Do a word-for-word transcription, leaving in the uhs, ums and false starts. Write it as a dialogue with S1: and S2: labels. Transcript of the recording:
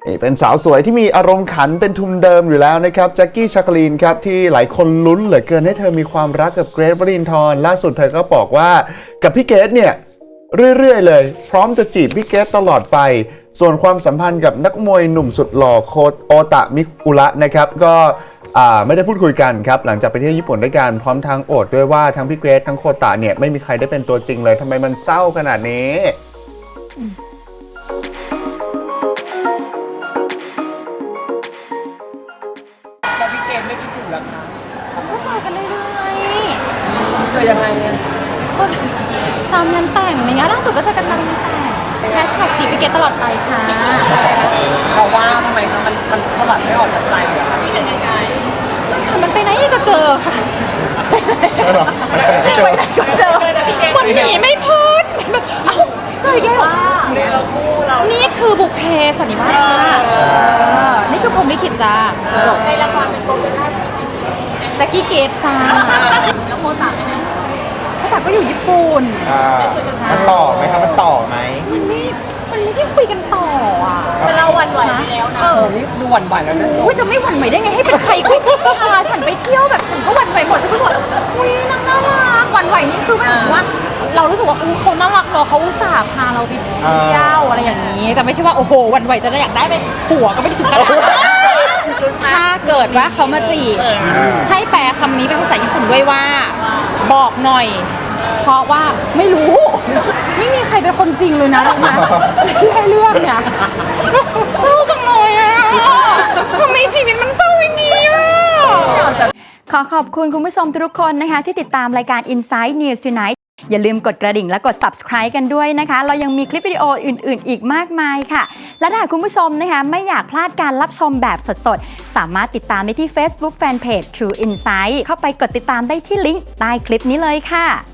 S1: นี่เป็นสาวสวยที่มีอารมณ์ขันเป็นทุนเดิมอยู่แล้วนะครับแจ็คกี้ชาคลีนครับที่หลายคนลุ้นเหลือเกินให้เธอมีความรักกับเกรท วรินทร์ล่าสุดเธอก็บอกว่ากับพี่เกรทเนี่ยเรื่อยๆเลยพร้อมจะจีบพี่เกรทตลอดไปส่วนความสัมพันธ์กับนักมวยหนุ่มสุดหล่อโคโอตะมิอุระนะครับก็ไม่ได้พูดคุยกันครับหลังจากไปเที่ยวญี่ปุ่นด้วยกันพร้อมทางโอดด้วยว่าทั้งพี่เกรททั้งโคตะเนี่ยไม่มีใครได้เป็นตัวจริงเลยทำไมมันเศร้าขนาดนี้
S2: แล้วพี่เกมไม่คิดถึงหรอคะ
S3: ก็เจอกันเรื่อยๆ
S2: เจอยังไงเนี่ย
S3: ก็ตามงานแต่งอะไรเงี้ยล่าสุดก็เจอกันตามงานแต่งแฮชแท็กจีบพี่เกตตลอดไปค่ะ
S2: เพราะว่าทำไมคะมันมันสลัดไม่ออกจากใจเหรอคะพี่เป็นยังไง
S3: ไม่ค่ะมันไปไหนก็เจอค่ะไปไหนก็เจอมันหนีไม่พ้นแบบเอ้าเจออีกแล้ว
S2: เนี่ยเราคู่เรา
S3: นี่คือบุพเพสันนิวาสจ้านี่คือพรหมลิขิตจ้าจบในละครเป็นตัวเป็นแจ็คกี้เกตจ้าแล้วโมตาไปไหนโมตาก็อยู่ญี่ปุ่น
S4: มันต่อไหมครับมันต่อไหม
S3: มันไม่ มันไม่ได้คุยกันต่ออ่ะ
S2: แต่เราหวั่นไหวไปแล้วนะเออนี่ดูหวั่นไหวแล้วนะ
S3: อุ้ยจะไม่หวั่นไหวได้ไงให้เป็นใครก็พาฉันไปเที่ยวแบบฉันก็หวั่นไหวหมดฉันก็รู้สึกว่าอุ้ยนางน่ารักหวั่นไหวนี่คือแบบว่า เรารู้สึกว่าอู้เขาน่ารักเนาะเขาอุตส่าห์พาเราไปเที่ยวอะไรอย่างนี้ แต่ไม่ใช่ว่าโอ้โหหวั่นไหวจะได้อยากได้ไปผัวก็ไม่ถึงขนาดนั้นถ้าเกิดว่าเขามาจีบให้แปลคำนี้เป็นภาษาญี่ปุ่นด้วยว่า บอกหน่อย เพราะว่าไม่รู้ ไม่มีใครเป็นคนจริงเลยนะรู้ไหมที่ให้เลือกเนี่ยเศร้าจังเลยอ่ะทำไมชีวิตมันเศร้าอย่างนี้อ่ะ
S5: ขอขอบคุณคุณผู้ชมทุกคนนะคะที่ติดตามรายการ Inside News Tonight อย่าลืมกดกระดิ่งและกด Subscribe กันด้วยนะคะ เรายังมีคลิปวิดีโออื่นๆอีกมากมายค่ะ และถ้าคุณผู้ชมนะคะไม่อยากพลาดการรับชมแบบสดๆ สามารถติดตามได้ที่ Facebook Fanpage True Insight เข้าไปกดติดตามได้ที่ลิงก์ใต้คลิปนี้เลยค่ะ